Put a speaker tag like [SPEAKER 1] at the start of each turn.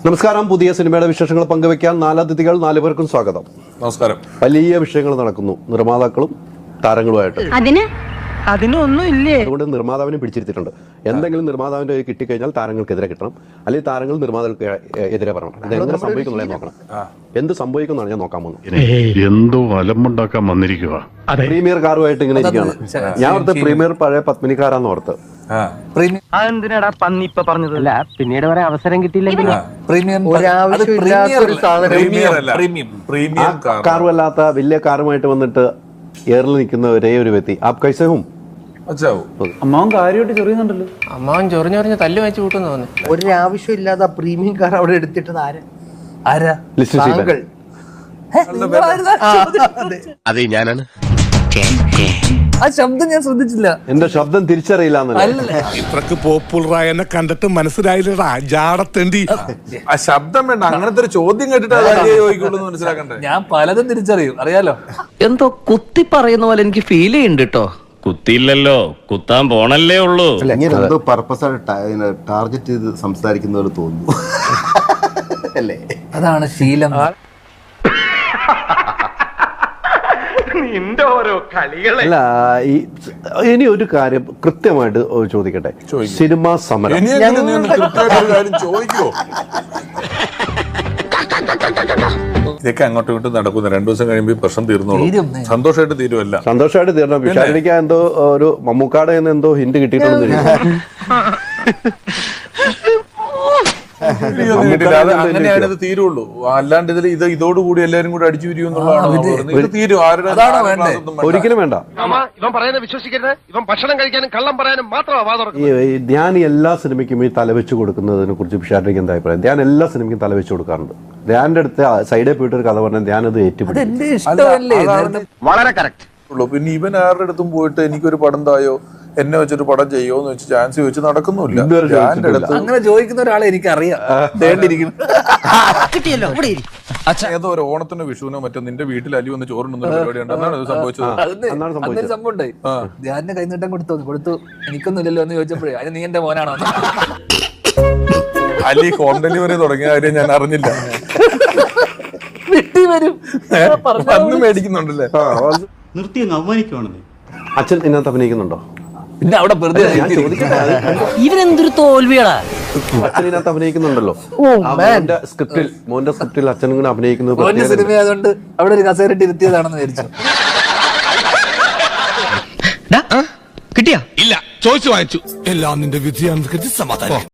[SPEAKER 1] നമസ്കാരം. പുതിയ സിനിമയുടെ വിശേഷങ്ങൾ പങ്കുവയ്ക്കാൻ 4 അതിഥികൾ, 4 പേർക്കും സ്വാഗതം.
[SPEAKER 2] നമസ്കാരം.
[SPEAKER 1] വലിയ വിഷയങ്ങൾ നടക്കുന്നു നിർമ്മാതാക്കളും താരങ്ങളുമായിട്ട്.
[SPEAKER 3] അതിനൊന്നും ഇല്ലേ?
[SPEAKER 1] അതുകൊണ്ട് നിർമ്മാതാവിനെ പിടിച്ചിരുത്തിയിട്ടുണ്ട്. എന്തെങ്കിലും നിർമ്മാതാവിന്റെ കയ്യിൽ കിട്ടിക്കഴിഞ്ഞാൽ താരങ്ങൾക്കെതിരെ കിട്ടണം, അല്ലെങ്കിൽ താരങ്ങൾ നിർമ്മാതാക്കൾക്ക് എതിരെ പറയണം. ഇത് എങ്ങനെ സംഭവിക്കുന്നുള്ള നോക്കണം. എന്ത് സംഭവിക്കുന്നതാണ് ഞാൻ നോക്കാൻ പോകുന്നത്.
[SPEAKER 4] എന്തോ അലമ്പുണ്ടാക്കാൻ വന്നിരിക്കുക.
[SPEAKER 1] പ്രീമിയർ കാറുമായിട്ട് ഇങ്ങനെ ഇരിക്കുകയാണ്. ഞാൻ ഓർത്ത് പ്രീമിയർ പഴയ പത്മിനിക്കാരാന്ന് ഓർത്ത്.
[SPEAKER 3] അതെന്തിനാടാ പന്നി ഇപ്പൊ പറഞ്ഞത്? അല്ല, പിന്നീട് വരെ അവസരം കിട്ടിയില്ലെങ്കിൽ
[SPEAKER 1] കാറുമല്ലാത്ത വലിയ കാറുമായിട്ട് വന്നിട്ട് എയറിൽ നിൽക്കുന്ന ഒരേ ഒരു വ്യക്തി. ആപ് കൈസേ ഹും?
[SPEAKER 5] അമ്മാവൻ കാര്യമായിട്ട് ചൊറിയുന്നുണ്ടല്ലോ.
[SPEAKER 6] അമ്മാവൻ ചൊറിഞ്ഞൊറിഞ്ഞ് തല്ലു വെച്ച് കൂട്ടുന്നു തോന്നി.
[SPEAKER 5] ഒരാവശ്യമില്ലാതെ ആ പ്രീമിയം കാർ അവിടെ എടുത്തിട്ടത് ആരാ?
[SPEAKER 1] ലിസ്റ്റ് ചെയ്താൽ
[SPEAKER 7] അതെ ഞാനാണ്.
[SPEAKER 6] ആ ശബ്ദം ഞാൻ ശ്രദ്ധിച്ചില്ല.
[SPEAKER 1] എന്റെ ശബ്ദം തിരിച്ചറിയില്ല എന്നല്ല.
[SPEAKER 8] ഇത്രക്ക് പോപ്പുലറായ എന്നെ കണ്ടിട്ട് മനസ്സിലായില്ലടാ ജാടത്തേണ്ടി.
[SPEAKER 2] ആ ശബ്ദം വേണ്ട, അങ്ങനത്തെ ഒരു ചോദ്യം കേട്ടിട്ട് ചോദിക്കുള്ളൂ മനസ്സിലാക്കണ്ടേ.
[SPEAKER 6] ഞാൻ പലതും തിരിച്ചറിയും, അറിയാലോ.
[SPEAKER 3] എന്തോ കുത്തി പറയുന്ന പോലെ എനിക്ക് ഫീൽ ചെയ്യുന്നുണ്ട് കേട്ടോ.
[SPEAKER 7] കുത്തിയില്ലല്ലോ, കുത്താൻ പോണല്ലേ ഉള്ളൂ.
[SPEAKER 9] ഇങ്ങനെ എന്തോ പർപ്പസായിട്ട് ടാർഗറ്റ് ചെയ്ത് സംസാരിക്കുന്ന പോലെ തോന്നുന്നു അല്ലേ?
[SPEAKER 6] അതാണ് ശീലം.
[SPEAKER 1] അല്ല, ഇനി ഒരു കാര്യം കൃത്യമായിട്ട് ചോദിക്കട്ടെ. സിനിമാ സമരം
[SPEAKER 2] ചോദിക്കോ? ഇതൊക്കെ അങ്ങോട്ടും ഇങ്ങോട്ടും നടക്കുന്നു. 2 ദിവസം കഴിയുമ്പോൾ പ്രശ്നം തീർന്നോളൂ. സന്തോഷമായിട്ട് തീരുമല്ല.
[SPEAKER 1] സന്തോഷമായിട്ട് തീരണം. വിശാലിനിക്ക് എന്തോ ഒരു മമ്മൂക്കാടെ എന്തോ ഹിന്റ് കിട്ടിയിട്ടുണ്ടെന്ന്.
[SPEAKER 2] അങ്ങനെയാണ് തീരുള്ളൂ. അല്ലാണ്ട് ഇതിൽ ഇതോടുകൂടി എല്ലാരും കൂടി അടിച്ചു പിരിയുന്നുള്ളതാണ്. തീരും.
[SPEAKER 1] ഒരിക്കലും വേണ്ട.
[SPEAKER 7] ഇവൻ പറയുന്നത് വിശ്വസിക്കരുത്. ഇവൻ ഭക്ഷണം കഴിക്കാനും കള്ളം പറയാനും മാത്രമാണ്.
[SPEAKER 1] ധ്യാൻ എല്ലാ സിനിമയ്ക്കും ഈ തലവെച്ച് കൊടുക്കുന്നതിനെ കുറിച്ച് വിശാലിനിക്ക് എന്താ അഭിപ്രായം? ധ്യാൻ എല്ലാ സിനിമയ്ക്കും തലവെച്ച് കൊടുക്കാറുണ്ട്. ധ്യാന്റെ അടുത്ത് സൈഡിൽ പോയിട്ട് ഒരു കഥ പറഞ്ഞാൽ ധ്യാൻ അത് ഏറ്റുപിടിക്കും.
[SPEAKER 7] വളരെ കറക്റ്റ്.
[SPEAKER 2] പിന്നെ ഇവൻ ആരുടെ അടുത്തും പോയിട്ട് എനിക്കൊരു പടം തായോ, എന്നെ വെച്ചൊരു പടം ചെയ്യോന്ന് വെച്ച് ചാൻസ് ചോദിച്ച് നടക്കുന്നില്ല.
[SPEAKER 6] അങ്ങനെ ചോദിക്കുന്ന ഒരാളെ എനിക്കറിയാം.
[SPEAKER 2] ഏതോ ഒരു ഓണത്തിനോ വിഷുവിനോ മറ്റോ നിന്റെ വീട്ടിൽ അലി വന്ന് ചോറുണ്ടെന്ന പരിപാടി ഉണ്ട്. അതാണ് സംഭവിച്ചത്.
[SPEAKER 6] സംഭവം ഉണ്ടായി. ധ്യാനിന്റെ കൈനീട്ടം കൊടുത്തു. എനിക്കൊന്നും ഇല്ലല്ലോ എന്ന് ചോദിച്ചപ്പോഴേ അത് നീ എന്റെ മോനാണോ?
[SPEAKER 2] അലി ഹോം ഡെലിവറി തുടങ്ങിയ കാര്യം ഞാൻ അറിഞ്ഞില്ല. അന്ന് മേടിക്കുന്നുണ്ടല്ലേ?
[SPEAKER 5] നിർത്തി അങ്ങ് അവമാനിക്കുവാണെന്ന്.
[SPEAKER 1] അച്ഛൻ ഇതിനകത്ത് അഭിനയിക്കുന്നുണ്ടോ?
[SPEAKER 6] പിന്നെ അവിടെ വെറുതെ
[SPEAKER 3] ഇവരെന്തൊരു തോൽവിയാടാ.
[SPEAKER 1] അച്ഛൻ ഇതിനകത്ത് അഭിനയിക്കുന്നുണ്ടല്ലോ. മോന്റെ സ്ക്രിപ്റ്റിൽ അച്ഛൻ ഇങ്ങനെ അഭിനയിക്കുന്നത്
[SPEAKER 6] സിനിമ ആയതുകൊണ്ട് അവിടെ ഒരു കസേരട്ടി ഇരുത്തിയതാണെന്ന് വിചാരിച്ചു.
[SPEAKER 8] കിട്ടിയാ? ഇല്ല, ചോദിച്ചു വാങ്ങിച്ചു. എല്ലാം നിന്റെ വിധിയാണെന്ന് സമാധാനം.